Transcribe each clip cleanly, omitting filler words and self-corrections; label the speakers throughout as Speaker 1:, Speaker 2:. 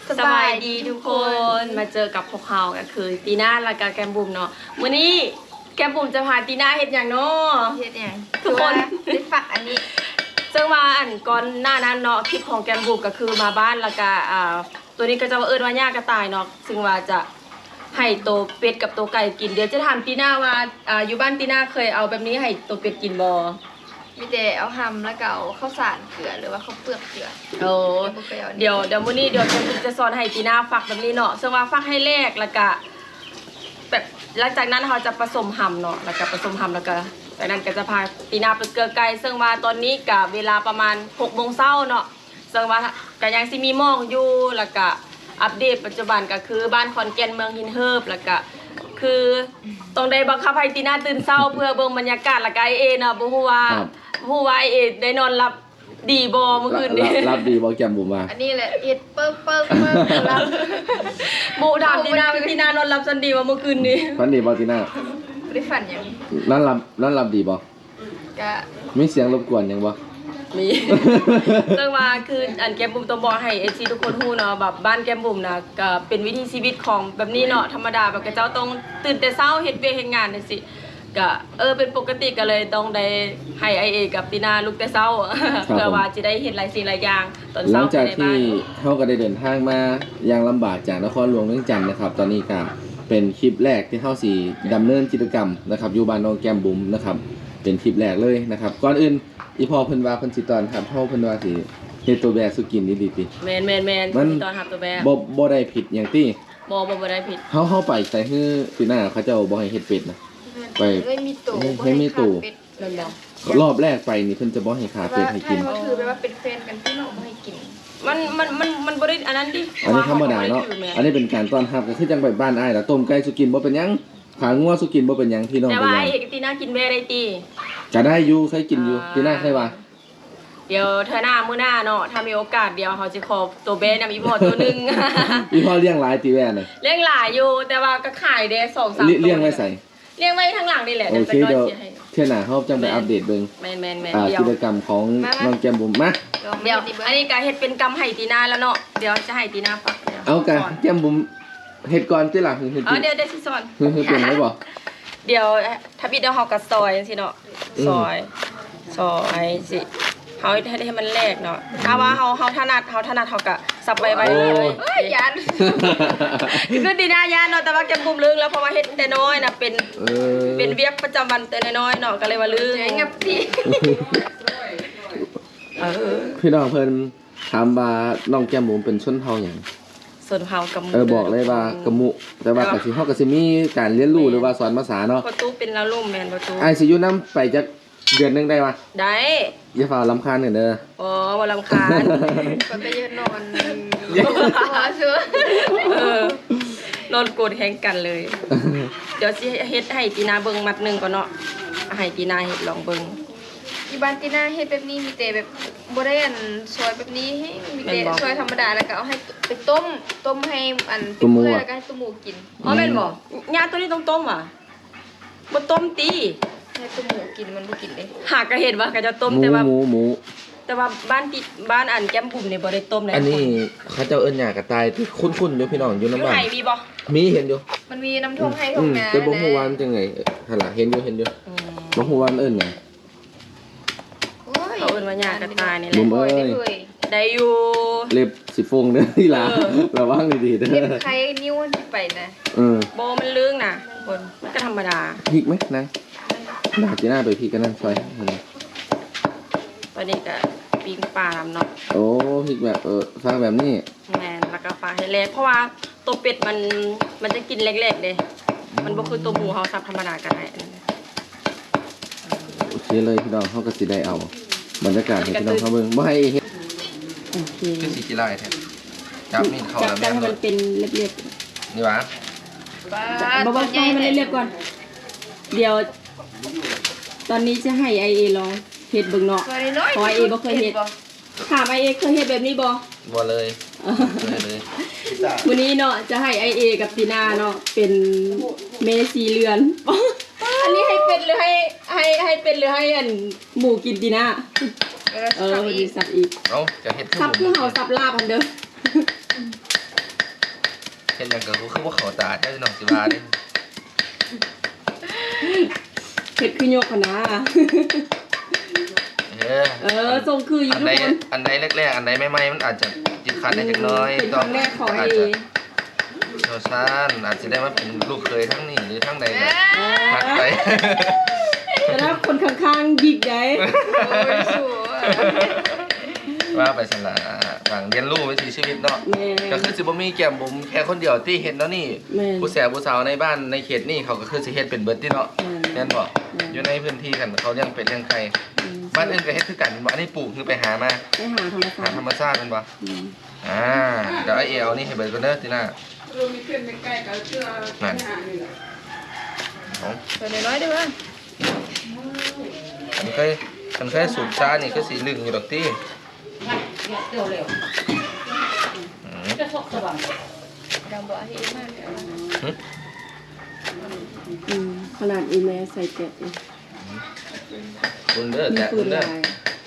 Speaker 1: สบายดีทุกคนมาเจอกับพวกเขาก็คือตีน่าและก็แกมบุ๋มเนาะวันนี้แกมบุ๋มจะพาตีน่าเฮ็ดอย่างเนาะ
Speaker 2: เฮ็ดอย่าง
Speaker 1: ทุกคน
Speaker 2: ได้ฝากอันนี้
Speaker 1: ซึ่งว่าอันก่อนหน้านั้นเนาะคลิปของแกมบุ๋มก็คือมาบ้านแล้วก็ตัวนี้ก็จะว่าเอิ้นว่าย่ากระต่ายเนาะซึ่งว่าจะให้ตัวเป็ดกับตัวไก่กินเดี๋ยวจะถามตีน่าว่าอยู่บ้านตีน่าเคยเอาแบบนี้ให้ตัวเป็ดกินบ่
Speaker 2: มีแต่เอาหำแล้วก็เอาข้าวสารเกลือหรือว่าข้าวเปลือกเกลือ
Speaker 1: โอ้
Speaker 2: บ่เคยเอาอันนี้
Speaker 1: เดี๋ยวมื้อนี้เดี๋ยวจะสอนให้ตีน่าฟักแบบนี้เนาะซึ่งว่าฟักให้แรกแล้วก็แบบหลังจากนั้นเราจะผสมหำเนาะแล้วก็ผสมหำแล้วก็จากนั้นก็จะพาตีน่าไปเกลือไก่ซึ่งว่าตอนนี้กับเวลาประมาณ6 โมงเช้าเนาะซึ่งว่าก็ยังสิมีหมอกอยู่แล้วก็อัปเดตปัจจุบันก็คือบ้านขอนแก่นเมืองหินเฮิบแล้วก็คือต้องได้บังคับให้ตีน่าตื่นเช้าเพื่อเบิ่งบรรยากาศแล้วก็ไอเอเนาะบ่ฮู้ว่าไอเอได้นอนหลับดีบ่เมื่อคืนนี้
Speaker 3: รับดีบอกแกมบุ๋มมา
Speaker 2: อันนี้แหละเฮ็ดเปิ้งรับ
Speaker 1: โมถามตีน่าเป็นตีน่านอนหลับสันดีว่าเมื่อคืนนี้
Speaker 3: ฝันดีบอกทีน่า
Speaker 2: บ่ได้ฝันหยัง
Speaker 3: นั่นรับดีบอก
Speaker 2: ก็
Speaker 3: มีเสียงรบกวนยังบอก
Speaker 1: มี เรื่องว่าคืออันแกมบุ๋มต้องบอกให้ซีทุกคนฮู้เนาะแบบบ้านแกมบุ๋มนะก็เป็นวิถีชีวิตของแบบนี้เนาะธรรมดาแบบกระเจ้าต้องตื่นแต่เช้าเฮ็ดเวียกเฮ็ดงานจังซี่ก็เป็นปกติก็เลยต้องได้ให้ไอเอกับตีน่าลุกแต่เช้า เพื่อว่าจะได้เห็นหลายสิ่งหลายอย่างตอน
Speaker 3: ห
Speaker 1: เช้า
Speaker 3: ลังจาก
Speaker 1: ใน
Speaker 3: ที่
Speaker 1: บ้าน
Speaker 3: เขาก็ได้เดินทางมาอย่างลำบากจากนครหลวงเวียงจันทน์นะครับ ตอนนี้ก็เป็นคลิปแรกที่เขาสีดำเนินกิจกรรมนะครับอยู่บ้านน้องแกมบุ๋มนะครับเป็นคลิปแรกเลยนะครับก่อนอื่นอีพอเพิ่นว่าเพิ่นสิตอนครับเฮาเพิ่นว่าสิเฮ็ดตัวแบสุกินดีๆติ
Speaker 1: แมน
Speaker 3: มัน
Speaker 1: ตอนหับตัวแม่
Speaker 3: บ่ได้ผิดหยังติ
Speaker 1: บ่ได้ผิด
Speaker 3: เฮาไปใส่ฮื้อปีหน้าเขาเจ้าบ่ให้เฮ็ดเป็ดนะ ไป
Speaker 2: ไม่มีตู่
Speaker 3: ให้มีตู่
Speaker 1: แม่นบ่
Speaker 3: รอบแรกไปนี่เพิ่นจะบ่ให้ขาเป็ดให้กิน
Speaker 2: เขาถือไปว่าเป็นแฟนกันพี่น้องบ่ให้กิน
Speaker 1: มันบ่ได้อันนั้นดิ
Speaker 3: อันนี้ธรรมดาเนาะ อันนี้เป็นการต้อนรับก็คือจังไปบ้านอ้ายล่ะต้มไก่สุกินบ่เป็นหยังขางัวสุกินบ่เป็นหยังพี่น้อง
Speaker 1: แต่
Speaker 3: เป็น
Speaker 1: ว่า
Speaker 3: หยั
Speaker 1: ไอง เอกกับตีน่ากินแม่ได้ติ
Speaker 3: ก็ได้อยู่เคยกินอยู่พี่น้าเคยว่า
Speaker 1: เดี๋ยวเธอหน้ามื้อหน้าเนาะถ้ามีโอกาสเดี๋ยวเขาจะขอตัวเบ้นำอีพอตัวหนึง
Speaker 3: อีพ่อเลี้ยงหลายตีแว่น่ะ
Speaker 1: เลี้ยงหลายอยู่แต่ว่าก็ขายได้2-3ตัว
Speaker 3: เลี้ยงไว้ใส่
Speaker 1: เลี้ยงไว้ข้างหลังนี่แหละ
Speaker 3: โอ
Speaker 1: เดี๋ยว
Speaker 3: เค
Speaker 1: จะน้อย
Speaker 3: เดี๋ยว
Speaker 1: เสียให้
Speaker 3: เที่ยหน้าเฮาจังไปอัปเดตเบิ่ง
Speaker 1: แม่นเดี๋ยว
Speaker 3: กิจกรรมของน้องแก้มบุ๋มมา
Speaker 1: เดี๋ยวอันนี้ก็เฮ็ดเป็นกำไห้ตีนาแล้วเนาะเดี๋ยวจะให้ตีนาฟักดี๋ยว
Speaker 3: เอากัน
Speaker 1: สน
Speaker 3: แก้มบุ๋มเฮ็ดก่อนติล่ะเฮ็ด
Speaker 1: เดี๋ยวสิสอน
Speaker 3: เฮ็ดเป็นได้บ่
Speaker 1: เดี๋ยวถ้าบิดเดี๋ยวเฮาก็ซอยจังซี่เนาะซอยสิเฮาให้มันแลกเนาะถ้าว่าเฮาถนัดเฮาก็สับไว้เลย
Speaker 2: เอ้ยยัน
Speaker 1: คือดีนายาเนาะแต่ว่าแกมบุมลืมแล้วเพราะว่าเฮ็ดแต่น้อยน่ะเป็น
Speaker 3: เออ
Speaker 1: เป็นเวียกประจำวันแต่น้อยๆเนาะก็เลยว่าลืม
Speaker 2: เจ๊งับพี่
Speaker 3: พี่น้องเพิ่นถามว่าน้องแก้มบุ๋มเป็นชนเผ่าหยัง
Speaker 1: ส่วนเฮากับ
Speaker 3: บอกเลยว่ากะมุแต่ว่าก็สิเฮาก็สิมีการเรียนรู้หรือว่าสอนภาษาเนาะ
Speaker 1: ประตูเป็นแล้วลุ่มแม่นประตู
Speaker 3: อ้ายสิอยู่นํไปจักเดือนหนึงได้บ่
Speaker 1: ได้
Speaker 3: อย่าฝ่ารำคาญกันเด้อ
Speaker 1: อ๋อบ่รำคาญ
Speaker 2: ก็ไปยืนนอนหัวเชื่อน
Speaker 1: อนโกรธแฮงกันเลย เดี๋ยวสิเฮ็ดให้ตีนาเบิ่งมัดหนึงก่อนเนาะให้ตีนาเฮ็ดลองเบิ่ง
Speaker 2: อีบ้านตีน่าเฮ็ดแบบนี้มีแต่แบบบ่ได้อันซอยแบบนี้ให้มีแต่ซอยธรรมดาแล้วก็เอาให้ไปต้มให้อันเปื่อยแล้วก็ให้ตุ้มหมูกิน
Speaker 1: อ๋อแม่นบ่ยาตัวนี้ต้องต้มว่ะบ่ต้มติ
Speaker 2: ให้ตุ้มหมูกินมันบ่กินเด้
Speaker 1: หากก็เห็นว่าก็จะต้ม
Speaker 3: หมู
Speaker 1: แต่ว่า
Speaker 3: หมู
Speaker 1: แต่ว่าบ้านอันแก้มบุ๋มนี่บ่ได้ต้มเลย
Speaker 3: อันนี้เขาเจ้าเอิ้นหยากระต่ายที่คุ้นๆอยู่พี่น้องอยู่
Speaker 1: อยู่
Speaker 3: น้ำบ้า
Speaker 1: ไหน
Speaker 3: น
Speaker 1: มีบ่
Speaker 3: มีเห็นอยู่
Speaker 2: มันมีน้ำท่วมให้ท่วมนา
Speaker 3: แต่บ่ฮู้ว่ามันจังไงหั่นล่ะเห็นอยู่บ่ฮู้ว่ามันเอิ้นหยัง
Speaker 1: เขาเอิ้นว่าหญ้ากระต่ายนี่แห
Speaker 3: บุ๋
Speaker 1: ละ
Speaker 3: ม
Speaker 2: ได้เลย
Speaker 1: ได้อยู่
Speaker 3: เล็บสิฟงเด้อที่หลาระวังดีๆเด้
Speaker 2: เล็บ
Speaker 3: อ
Speaker 2: ใครนิ้วที่ไปนะ
Speaker 1: โบมันลึงน่ะคนมันก็ธรรมดา
Speaker 3: พริกไหมนะดาจีน่าไปพริกกันนั่นซอย
Speaker 1: ตอนนี้ก็ปิ้งปลาเนาะ
Speaker 3: โอ้พริกแบบฟังแบบนี้
Speaker 1: แม่นแล้วก็ปลาให้เล็กเพราะว่าตัวเป็ดมันจะกินเล็กๆเด้มันบ่คือตัวหมูเฮาซับธรรมดาก็ได้
Speaker 3: โอเคเลยพี่น้องเขาก็สิได้เอาบรรยากาศให้พี่น้องเขาเบิ่งบ่ให้เฮ็ด
Speaker 1: โอเค
Speaker 3: คือสิกิไล่แท้จับนี่เข้า
Speaker 1: จับ
Speaker 3: แล้ว
Speaker 1: ให้มันเป็นเรียบ
Speaker 3: นี่หว่า
Speaker 1: ๆบ่ๆให้มันเรียบๆก่อน เดี๋ยว ตอนนี้จะให้ไอเอลองเฮ็ดเบิ่งเนาะ เพราะว่าเอบ่เคยเฮ็ด ถามไอเอเคยเฮ็ดแบบนี้บ่
Speaker 3: บ่เลยเลย
Speaker 1: วันนี้เนาะจะให้ไอเอกับตีนาเนาะเป็นเมสีเรือน อันนี้ให้เป็นหรือให้เป็นหรือให้อันหมูกินตีนาวันนี้สับอีก
Speaker 3: เอ้าจะเฮ็ด
Speaker 1: สับคือเห่าสับลาบอันเด้อ
Speaker 3: ฮ็ดหยังก็คือบ่เข้าตาแท้พี่น้องสิว่าเด้
Speaker 1: เฮ็ดคือยกหั่นนะ ทรงคืออยู่ทุกคน
Speaker 3: อันใดแรกๆอันใดใหม่ๆมันอาจจะติดขัดได้จักหน้อย
Speaker 1: เป็นครั้งแรกของไอ
Speaker 3: โชซานอาจจะได้มาเป็นลูกเคยทั้งนี้หรือทั้งใดก็พักไป
Speaker 1: แต่ถ้าคนข้างๆหยิกได้
Speaker 2: โอ้ยชัว
Speaker 3: ว่าไปสละหลังเรียนรู้วิถีชีวิตเนาะ
Speaker 1: แม่
Speaker 3: ก็คือสิบ่มีแก้มบุ๋มแค่คนเดียวที่เห็นเนาะนี่
Speaker 1: แม่
Speaker 3: ผู้แสบผู้สาวในบ้านในเขตนี่เขาก็คือสิเฮ็ดเป็นเบิดที่เนาะ
Speaker 1: แม่
Speaker 3: แม่นบ่อยู่ในพื้นที่กันเขาเลี้ยงเป็ดเลี้ยงไก่บ้านอื่นก็เฮ็ดคือกันบ่อันนี้ปลูกคือไปหามา
Speaker 1: ไปหาธรรมชา
Speaker 3: หา
Speaker 1: ติ
Speaker 3: ธรรมชาติแม่นบ่เดี๋ยวไอ้เอเอานี่ให้เบิดก่อนเด้อติน่า
Speaker 1: เรามีเพื่อนใกล้ๆกันเชื่อ
Speaker 3: นั่น เอา
Speaker 2: ตัวน้อยๆเด้อ
Speaker 3: มันเคยสูบชานี่คือสิลึงอยู่ดอกติ
Speaker 1: เดี๋ยวเร็วจะชกสว่าง
Speaker 2: ดำบ่ให้มากเลย
Speaker 1: ขนาดอีแม่ใส่แกะ
Speaker 3: คุณเด้อ
Speaker 1: มี
Speaker 3: แกะ
Speaker 1: ปื
Speaker 3: คุ
Speaker 1: น
Speaker 3: ณเด้อ
Speaker 1: ลาย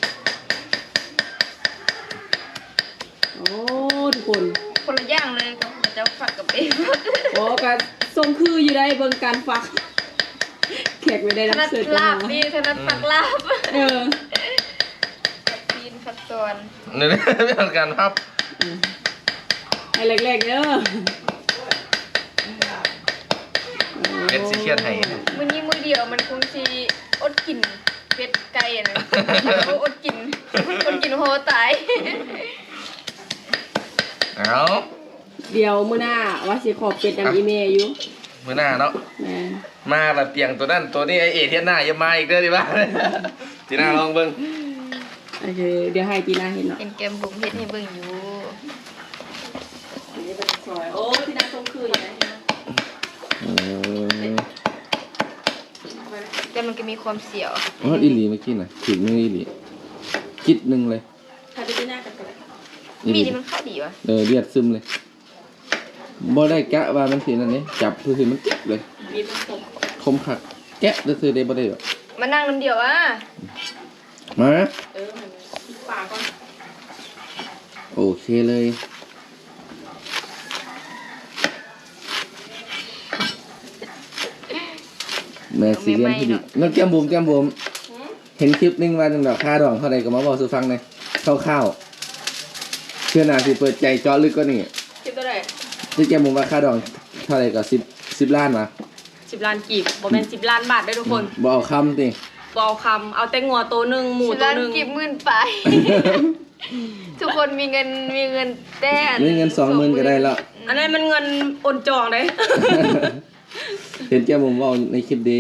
Speaker 1: โอ้ทุกคน
Speaker 2: คนละอย่างเลยกับเจ้าฝักกับเอง
Speaker 1: โอ้การทรงคืออยู่ได้เบิ่งการฟักแขกไม่ได้
Speaker 2: ถ
Speaker 1: รับ
Speaker 2: นัด
Speaker 1: เสิร์ฟ
Speaker 2: ลาบนี่ถนัดฝักลาบ
Speaker 1: เออ
Speaker 2: ฝักตีนฝักตอน
Speaker 3: นี่ไม่ต้องการครับ
Speaker 1: ไอ้แรกๆเด้อ
Speaker 3: เป็ดสิเครียดให้
Speaker 2: มื้อนี้มื้อเดียวมันคงสิอดกินเป็ดไก่อะนะอดกินโหตาย
Speaker 3: เอา
Speaker 1: เดี๋ยวมื้อหน้าว่าสิขอเป็ดนำอีเมลอยู่
Speaker 3: มื้อหน้าเนาะ
Speaker 1: แม่
Speaker 3: มาละเปียงตัวนั้นตัวนี้ไอเอเทียนหน้าอย่ามาอีกเด้อดิบ้า จีน่าลองเบิ่ง
Speaker 1: โอเคเดี๋ยวให้จีน่าเห็นเนาะ
Speaker 2: เห็นแกมบุ๋มเฮ็ดให้เบิ่งอยู่
Speaker 1: นี่เป็นซอยโอ้จีน่าทรงคืออยู่นะ
Speaker 2: แต่มันก็มีความเสียว
Speaker 3: อ๋ออีหลีเมื่อกี้น่ะถึงนึงอีหลีคิดนึงเลย
Speaker 1: ถ้าไปจีน่ากันกัน
Speaker 2: มีนี่มันเข้าดีวะ
Speaker 3: เลือดซึมเลยบ่ได้กะว่ามันสินั่นนี่จับคือมันเจ็บเลย
Speaker 1: มีผสม
Speaker 3: คมคักแกะซื่อๆได้บ่ได้หรอก
Speaker 2: มานั่งน้ำเดียวอ่ะ
Speaker 3: มา
Speaker 1: มันปากก่อน
Speaker 3: โอเคเลยแม่ซีเรียนที่ดีน้องแก้มบุ๋มเห็นคลิปนึงว่าจังดอกค่าดองเท่าใดก็มาบอกสู่ฟังหน่อยคร่าวๆเชื่อหน้าสิเปิดใจเจาะลึกกว่านี้
Speaker 1: คิดตัวไหน
Speaker 3: ที่แก้มบุ๋มว่าค่าดองเท่าใดก็10ล้านมา
Speaker 1: 10 ล้านกีบบ่แม่น10 ล้านบาทได้อทุกคน
Speaker 3: บ่เอาคำติ
Speaker 1: บ่เอาคำเอาแต่งัวตัวหนึงหมู
Speaker 2: สิ
Speaker 1: ตัว
Speaker 2: ล้าน
Speaker 1: หนึง
Speaker 2: กี่หมื่นไป ทุกคนมีเงินแต่
Speaker 3: มีเงิน 20,000ก็ได้แล้ว
Speaker 1: อันนั้นมันเงินโอนจองเด้
Speaker 3: เห็นแก้มบุ๋มว่าในคลิปเด้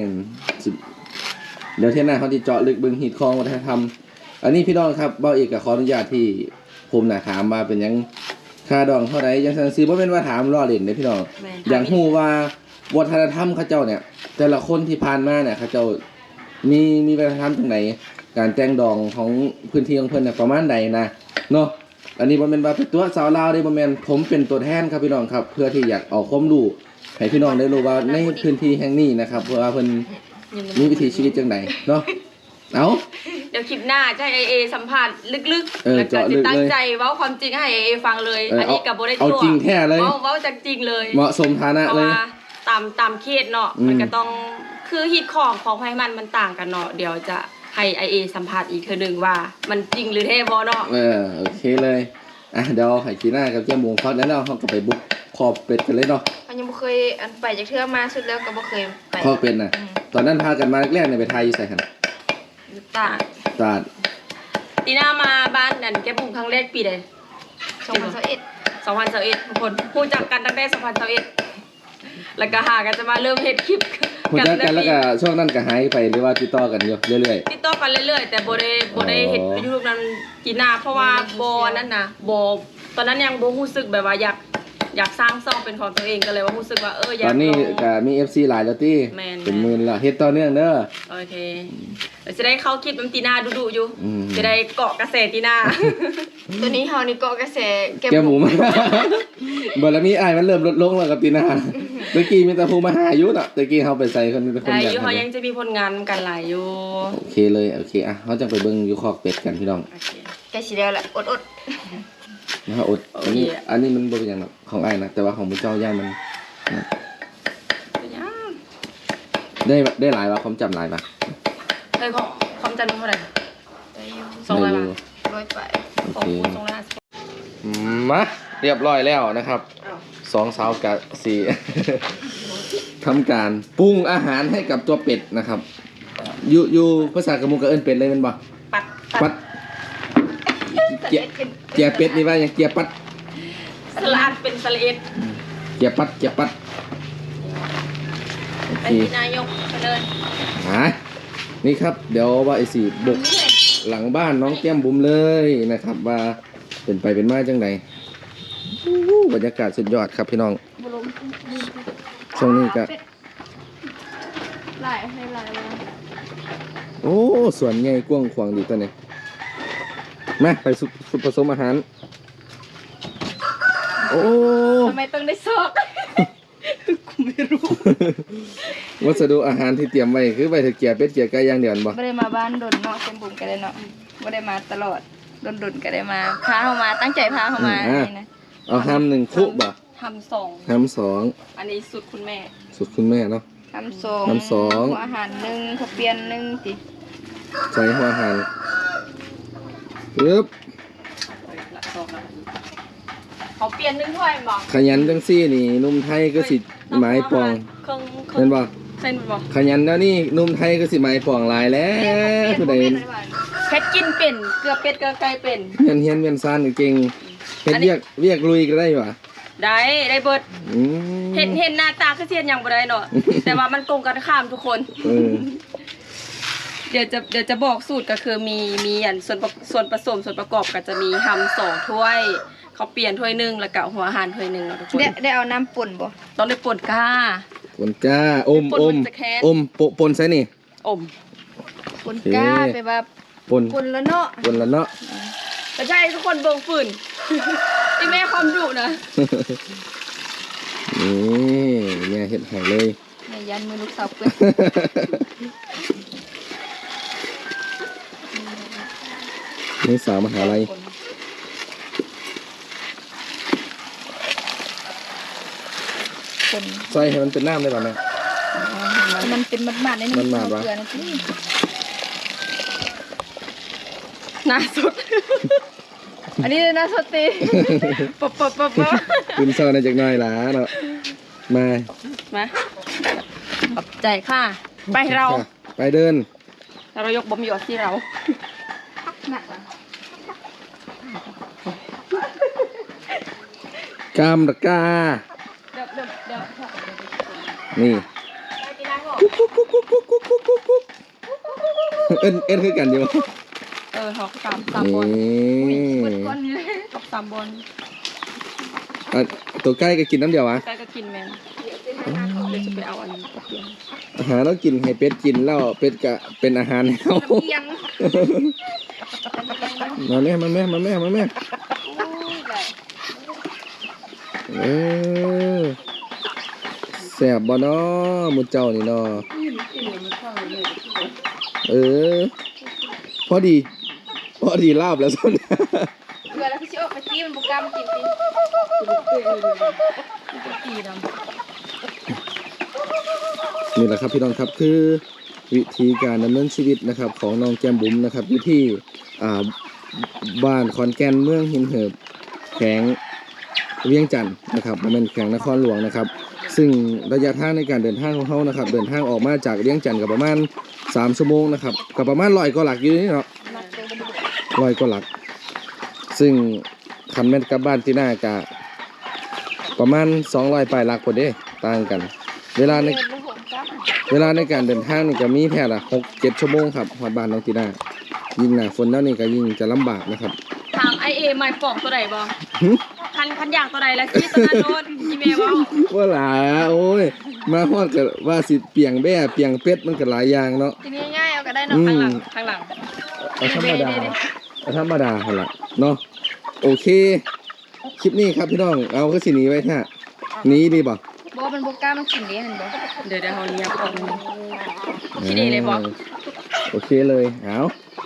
Speaker 3: เดี๋ยวเที่ยงหน้าเขาจะเจาะลึกเบิ่งหีดคองวัฒนธรรมอันนี้พี่น้องครับเบ้าเอกก็ขออนุญาตที่ผมน่ะถามมาเป็นหยังค่าดองเท่าใดจังซั่นซื้อบ่แม่นว่าถามล้อเล่นเด้พี่น้อง
Speaker 1: แม่น
Speaker 3: อย่างฮู้ว่าวัฒนธรรมเขาเจ้าเนี่ย แต่ละคนที่ผ่านมาเนี่ยเขาเจ้ามีวัฒนธรรมจังไดการแต่งดองของพื้นที่ของเพิ่นน่ะประมาณใดนะเนาะอันนี้บ่แม่นว่าเป็นตัวสาวลาวเด้บ่แม่นผมเป็นตัวแทนครับพี่น้องครับ เพื่อที่อยากเอาความรู้ให้พี่น้องได้รู้ว่าในพื้นที่แห่งนี้นะครับว่าเพิ่นมีวิถีชีวิตจังไดเนาะเอา
Speaker 1: เดี๋ยวคลิปหน้าจะให้เอสัมภาษณ์ลึก
Speaker 3: เออ
Speaker 1: ๆแล้วก็
Speaker 3: เจาะลึ
Speaker 1: จะ
Speaker 3: กเลย
Speaker 1: ตั้งใจเว้าความจริงให้เอฟังเลย อันนี้กับโบได้
Speaker 3: เอาจริงแท้เลย
Speaker 1: เว้าจากจริงเลย
Speaker 3: เหมาะสมฐานะ
Speaker 1: เพราะ
Speaker 3: เลย
Speaker 1: ว่าตามเคสเนาะ
Speaker 3: อืม
Speaker 1: มันก็ต้องคือฮิตของไพมันต่างกันเนาะเดี๋ยวจะให้เอสัมภาษณ์อีกเทื่อนึงว่ามันจริงหรือเท่บ่เนาะ
Speaker 3: โอเคเลยเดี๋ยวให้กีน่ากับเจ้าหมูพักแล้วเนาะเขาก็ไปบุกคอเป็ดกันเลยเนาะ
Speaker 2: มันยังบ่เคยอันไปจากเทื่อมาสุดแล้วก็บ่เคยไป
Speaker 3: คอเป็ดน่ะ ตอนนั้นพากันมาแรกๆเนี่ยไปไทยอยู่ใส่กัน
Speaker 1: ต่าง
Speaker 3: ตราด
Speaker 1: ตีน่ามาบ้านนั่นแกบุ้งครั้งแรกปีใด
Speaker 2: 2021
Speaker 1: 2021ทุกคนพูดจากกันตั้งแต่2021แล้วก็หากันจะมาเริ่มเฮ็ดคลิป
Speaker 3: หัวใจกันแล้วก็ช่วงนั้นก็หายไปหรือว่าติดต่อกันอยู่เรื่อย
Speaker 1: ติดต่อกันเรื่อยๆแต่บ่ได้เฮ็ดไปยูทูบนั้นกีน่าเพราะว่าบ่นั่นน่ะบ่ตอนนั้นยังบ่รู้สึกแบบว่าอยากสร้างช่องเป็นของตัวเองก็เลยว่ารู้สึกว่าอ
Speaker 3: ๆ
Speaker 1: ยา
Speaker 3: ต
Speaker 1: ก
Speaker 3: อนนี้
Speaker 1: ลอง
Speaker 3: ก็มี FC หลายแล้วติ
Speaker 1: แม่น
Speaker 3: เป็นหมื่นแล้วเฮ็ดต่อเนื่องเด้อ
Speaker 1: โอเคเดี๋ยวจะได้เข้าคลิปน้ำตีน่าดุๆอยู่
Speaker 3: อืม
Speaker 1: จะได้เกาะกระแสตีน่า
Speaker 2: ตัวนี้เฮานี่เกาะกระแส
Speaker 3: แกหมูมา บ่แล้วมีอ้ายมันเริ่มลดลงแล้วกับตีน่าเมื่อกี้มีแต่ผู้มาหาอยู่น่ะตะกี้เฮาไปใส่คนมีแต่คน
Speaker 1: ได้
Speaker 3: อยาก
Speaker 1: อยู่เขา
Speaker 3: ให้
Speaker 1: ยังจะมีผลงานกันหลายอยู่
Speaker 3: โอเคเลยโอเคเฮาจังไปเบิ่งอยู่คอกเป็ดกันพี่น้อง
Speaker 1: โอเค
Speaker 2: ใกล้สิแล้วแหละอด
Speaker 3: นะครับอดอันนี้มันบ่เป็นอย่างหรอกของไอ้นะแต่ว่าของมุเจ้าย่ามันได้หลายป่ะความจำหลายป่ะ
Speaker 1: เฮ้ยของความจำเท่าไหร่
Speaker 2: ได้อยู่
Speaker 1: 200 บาท
Speaker 2: ร้อยไป
Speaker 3: โอ
Speaker 1: ของ
Speaker 3: เค
Speaker 1: คุณ250
Speaker 3: มาเรียบร้อยแล้วนะครับ
Speaker 1: อ้าว
Speaker 3: สองสาวกับสี่ ทำการปรุงอาหารให้กับตัวเป็ดนะครับอยู่ภาษากะมุกกะเอิ้นเป็ดเลยแมันบ่
Speaker 1: ปัด
Speaker 3: เกียเป็ดนี่ว่าอย่างเกียปัด
Speaker 1: สลัดเป็นสลัด
Speaker 3: เกียปัดโอ
Speaker 1: ไป
Speaker 3: เค
Speaker 1: ที่นายกไปเลย
Speaker 3: นี่ครับเดี๋ยวว่าไอ้สี่บุกหลังบ้านน้องแก้มบุ๋มเลยนะครับ ว่าเป็นไปเป็นมาจังไดบรรยากาศสุดยอดครับพี่น้อง
Speaker 2: บุรุษ
Speaker 3: ช่วงนี้ก็
Speaker 2: หลายให้หลายมา
Speaker 3: โอ้ส่วนใหญ่กว้างขวางดีตัวนี้มาไปสุดผสมอาหารโอ้
Speaker 1: ทำไมต้องได้ซอกกูไม่รู้
Speaker 3: วัสดุอาหารที่เตรียมไว้คือไว้ถ้าเกียเป็ดเกียไก่อย่างเดียวบ่
Speaker 2: ไม่ได้มาบ้านดนเนาะเต็มบุ๋มกันเลยเนาะไม่ได้มาตลอดดนก็ได้มาพาเขามาตั้งใจพาเขามานี่นะ
Speaker 3: เอาห้ามหนึ่งคุบ่
Speaker 1: ทำสอง
Speaker 3: ห้ามสอง
Speaker 1: อันนี้สุดคุณแม่
Speaker 3: สุดคุณแม่เนาะ
Speaker 2: ทำสอง
Speaker 3: ทำสอง
Speaker 2: หัวอาหารหนึ่งข้าวเปียนหนึ่งติ
Speaker 3: ใส่หัวอาหารปึ๊บ
Speaker 1: ละซอกละเขาเปลี่ยนนึงถ้วยบอก
Speaker 3: ขยันจังซี่นี่หนุ่มไทยก็สิหมายปอง
Speaker 1: เครื่อง
Speaker 3: เห็นบ่
Speaker 1: เส้นบอก
Speaker 3: ขยันแล้วนี่หนุ่มไทยก็สิหมายปองหลายแล้วผู้ใด
Speaker 1: เพชรกินเป็นเกลือเป็ดเกลือไก่เป็น
Speaker 3: เฮียนเวียนซ่านเก่งเฮ็ดเวียกลุยก็ได้ว่ะ
Speaker 1: ได้เบิด
Speaker 3: อืม
Speaker 1: เห็นหน้าตาคือเสียนอย่างบ่ได้เนาะ แต่ว่ามันตรงกันข้ามทุกคน
Speaker 3: เออ
Speaker 1: เดี๋ยวจะบอกสูตรก็คือมีอันส่วนผสมส่วนประกอบก็จะมีทำ2ถ้วยเขาวเปลี่ยนถ้วยหนึงแล้วก็หัวอาหารถ้วยหนึงเนาะทุกคน
Speaker 2: ได้เอาน้ำป่นบ่
Speaker 1: ต้องได้ป่นก้า
Speaker 3: ปนก้าอม
Speaker 1: ปนมันจะแค้น
Speaker 3: ปนใส่นี่
Speaker 1: อม
Speaker 2: ป่นกล้าไปว่า
Speaker 3: ปน
Speaker 2: ป่นแล้วเนาะ
Speaker 3: ปนแล้วเนาะ
Speaker 1: แต่ใช่ทุกคนเบิ่งฝืน ที่แม่ความดุนะ
Speaker 3: นี่เนี่ยเฮ็ดให้เลย
Speaker 2: ในยันมือลูกสาวเปื้อน
Speaker 3: นี่สาวมหาลัย
Speaker 2: ป่น
Speaker 3: ใส่ให้มันเป็นน้ำได้ป่ะแม่
Speaker 2: มันเป็นมัดๆใน
Speaker 3: มัดๆวะ
Speaker 2: เกลือนะพี่
Speaker 1: หน้าสุด
Speaker 2: อันนี้เลยนะสตี
Speaker 1: ปบ
Speaker 3: คุณเศร้าในจากหน้อยหลาเนาะมา
Speaker 1: มาขอบใจค่ะ ไปเรา
Speaker 3: ค่ะไปเดิน
Speaker 1: เรายกบอมอยู่ที่เรา
Speaker 2: หนักอ่ะ
Speaker 3: กามตะกา
Speaker 1: เดี๋ยว
Speaker 3: นี่
Speaker 1: ไปกินน้ำก่อน
Speaker 3: เอ็นคือกันอยู่
Speaker 1: หอกสามบอล
Speaker 3: นี่
Speaker 2: เปิดก้อนนี้เลย
Speaker 1: หอก3 บอล
Speaker 3: อ่ะตัวใกล้ก็กินน้ำเดียววะ
Speaker 1: ใกล้ก็กินแมนเดี๋ยวจะไปเอาอันนี้เปลี่ยน
Speaker 3: อาหารต้องกินให้เป็ดกินแล้วเป็ดก็เป็นอาหารให้เขา
Speaker 2: เอียง
Speaker 3: มาแม่มาแม่มาแม่มาแม่ เออแซ่บบ่เนาะหมุเจ้านี่เนาะเออพอดีลาบแล้วส่วน
Speaker 2: เกลือแล้วพี่ชิโอไปจี้มันบุกกล้ามากินสิ
Speaker 1: ตีด
Speaker 3: นี่แหละครับพี่น้องครับคือวิธีการดำเนินชีวิตนะครับของน้องแก้มบุ๋มนะครับอยู่ที่บ้านขอนแก่นเมืองหินเหิบแขวงเวียงจันทน์นะครับบ่แม่นแขวงนครหลวงนะครับ ซึ่งระยะทางในการเดินทางของเขานะครับเดินทางออกมาจากเวียงจันทน์ก็ประมาณ3 ชั่วโมงนะครับก็ประมาณ100 กว่าหลักอยู่นี่เนาะ
Speaker 2: นักเตะบุก
Speaker 3: 100 กว่าหลัก ซึ่งคันแม่นกลับบ้านที่หน้ากะประมาณ200ปลายหลักพอเด้ต่างกัน เวลาใน
Speaker 2: เดินบุกหงกล้า
Speaker 3: เวลาในการเดินทางนี่ก็มีแค่ละ6-7 ชั่วโมงครับฮอดบ้านน้องตีน่ายิ่งหน้าฝนแล้วนี่ก็ยิ่งจะลำบากนะครับ
Speaker 1: ถามไอเอไม้ปอกตัวใดบ่
Speaker 3: หึ
Speaker 1: คันอยากตัวใดแล้วที่ตัวนั้นโดนอีเมลว่า
Speaker 3: ว่าหลาโอ้ยมาฮอดก็ว่าสิเปียงแบ้เปียงเป็ดมันก็หลายอย่างเนาะ
Speaker 2: ทีนี้ง่ายเอาก็ได้เนาะ
Speaker 3: อื
Speaker 1: ข้าง
Speaker 3: ม
Speaker 1: หลัง
Speaker 3: เอาธรรมดาเอาธรรมดาหั่นล่ะเนาะโอเค คลิปนี้ครับพี่น้องเอาก็สิหนีไว้แท้หนีดีบ่
Speaker 2: บอกมันบุกกล้ามันกินดีเห็นบ่
Speaker 1: เดี๋ยวเขาเรียกออกคิดดีเลยบ่
Speaker 3: โอเคเลยเอาส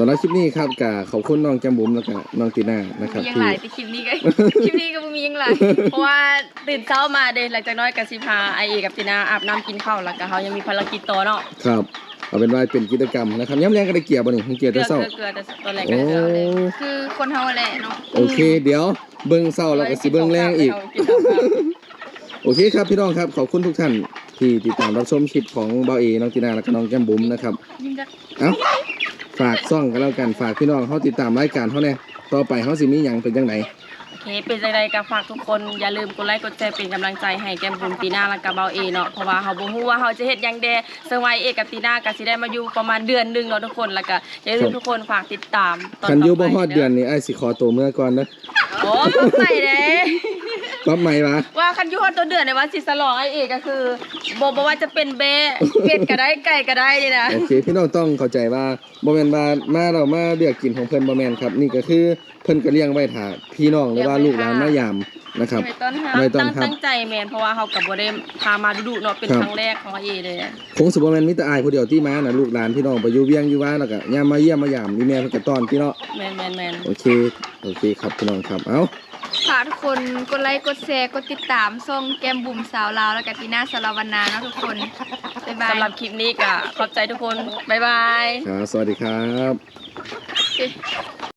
Speaker 3: สำหรับคลิปนี้ครับก็ขอบคุณน้องแก้มบุ๋มแล้วก็น้องตีน่านะครับ
Speaker 2: มียัง
Speaker 3: ที่
Speaker 2: หลายแต่คลิปนี้ก็ คลิปนี้ก็บ่มียังหลาย
Speaker 1: เพราะว่าตื่นเช้ามาเด้หลังจากน้อยกับสิพาไอเอกับตินาอาบน้ำกินข้าวแล้วก็เขายังมีภารกิจต่อเนาะ
Speaker 3: ครับเอาเป็นว่าเป็นกิจกรรมนะครับย้ำแรงก็ได้เกี่ยวบ่นี่เกี่ยว
Speaker 1: เกลื
Speaker 3: แต่
Speaker 1: อ
Speaker 3: เช้า
Speaker 1: เกลือแต่ตอนแรก
Speaker 3: โอ้
Speaker 1: ก็เกลือเลย
Speaker 2: คือคนเฮาแหละเนาะ
Speaker 3: โอเค เดี๋ยวเบิ่งเช้าแล้วก็สิเบิ่งแรงอีก โอเคครับพี่น้องครับขอบคุณทุกท่านที่ติดตามรับชมคลิปของเบาเอน้องตีนาและก็น้องแก้มบุ๋มนะครับ
Speaker 2: ยิ่งจะ
Speaker 3: เอ้าฝากซ่องกันแล้วกันฝากพี่น้องเขาติดตามรายการเขาแน่ต่อไปเขาสิมีหยังเป็นจังไหน
Speaker 1: โอเคเป็นจังไดก็ฝากทุกคนอย่าลืมกดไลค์กดแชร์เป็นกำลังใจให้แก้มบุญตีน่าและก็เบาเอเนาะเพราะว่าเขาบ่ฮู้ว่าเขาจะเฮ็ดหยังแดซึ่งว่าเอกับตีน่าก็สิได้มาอยู่ประมาณเดือนหนึงเนาะทุกคนแล้วก็อย่าลืมทุกคนฝากติดตามตอน
Speaker 3: คันอยู่บ่
Speaker 1: ต่ไป
Speaker 3: ฮอดเดือนนี้ไอ้ายสิขอตัวเมื่อก่อนนะ
Speaker 1: โอ้ใส่เด้
Speaker 3: ก๊อปใหม่มา
Speaker 1: ว่าคันอยู่ฮอดตัวเดือนในวันสิสลองไอเอก็คือบ่ว่าจะเป็นเบ้เป็ดก็ได้ไก่ก็ได้นี่นะ
Speaker 3: โอเคพี่น้องต้องเข้าใจว่าบ่แม่นว่ามาเรามาเลือกกินของเพิ่นบ่แม่นครับนี่ก็คือเพิ่นก็เลี้ยงไว้ถ้าพี่น้องหรือว่าลูกหลานมายามนะครับ
Speaker 2: ไปต้นหา
Speaker 3: ไม่ต้องครับ
Speaker 1: ตั้งใจแมนเพราะว่าเขากับบ่ได้พามาดุๆเนาะเป็น
Speaker 3: ครับ
Speaker 1: ครั้งแรกของเอเลยอะ
Speaker 3: คงสิบ่แม่นมีแต่อายผู้เดียวที่มาน่ะลูกหลานพี่น้องไปอยู่เวียงอยู่ว่าแล้วก็ยามมาเยี่ยมมายามมีแม่เพิ่นก็ต้อนพี่เนาะ
Speaker 1: แมน
Speaker 3: โอเคครับพี่น้องครับเอ้า
Speaker 2: ฝากทุกคนกดไลค์กดแชร์กดติดตามช่องแก้มบุ๋มสาวลาวแล้วก็ตีน่าสารวันนาเนาะทุกคนบ๊ายบาย
Speaker 1: สำหรับคลิปนี้ก็ขอบใจทุกคนบ๊ายบาย
Speaker 3: ครับสวัสดีครับ
Speaker 2: โอเค